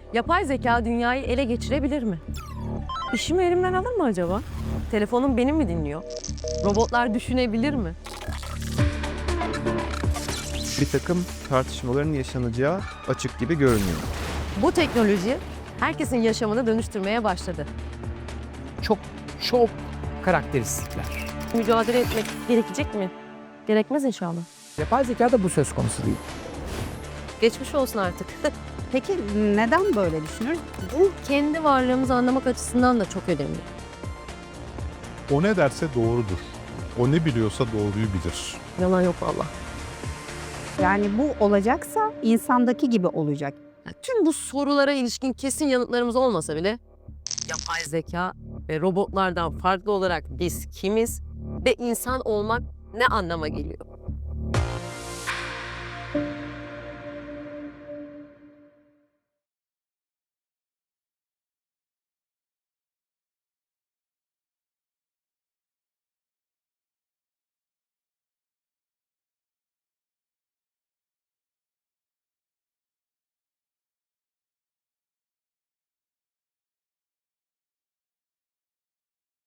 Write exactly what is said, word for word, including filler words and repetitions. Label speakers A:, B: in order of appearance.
A: Yapay zeka dünyayı ele geçirebilir mi? İşimi elimden alır mı acaba? Telefonum beni mi dinliyor? Robotlar düşünebilir mi?
B: Bir takım tartışmaların yaşanacağı açık gibi görünüyor.
A: Bu teknoloji herkesin yaşamını dönüştürmeye başladı.
C: Çok çok karakteristikler.
A: Mücadele etmek gerekecek mi? Gerekmez inşallah.
C: Yapay zeka da bu söz konusu değil.
A: Geçmiş olsun artık.
D: Peki neden böyle düşünürüz?
A: Bu kendi varlığımızı anlamak açısından da çok önemli.
E: O ne derse doğrudur. O ne biliyorsa doğruyu bilir.
A: Yalan yok vallahi.
D: Yani bu olacaksa insandaki gibi olacak.
A: Ya tüm bu sorulara ilişkin kesin yanıtlarımız olmasa bile yapay zeka ve robotlardan farklı olarak biz kimiz ve insan olmak ne anlama geliyor?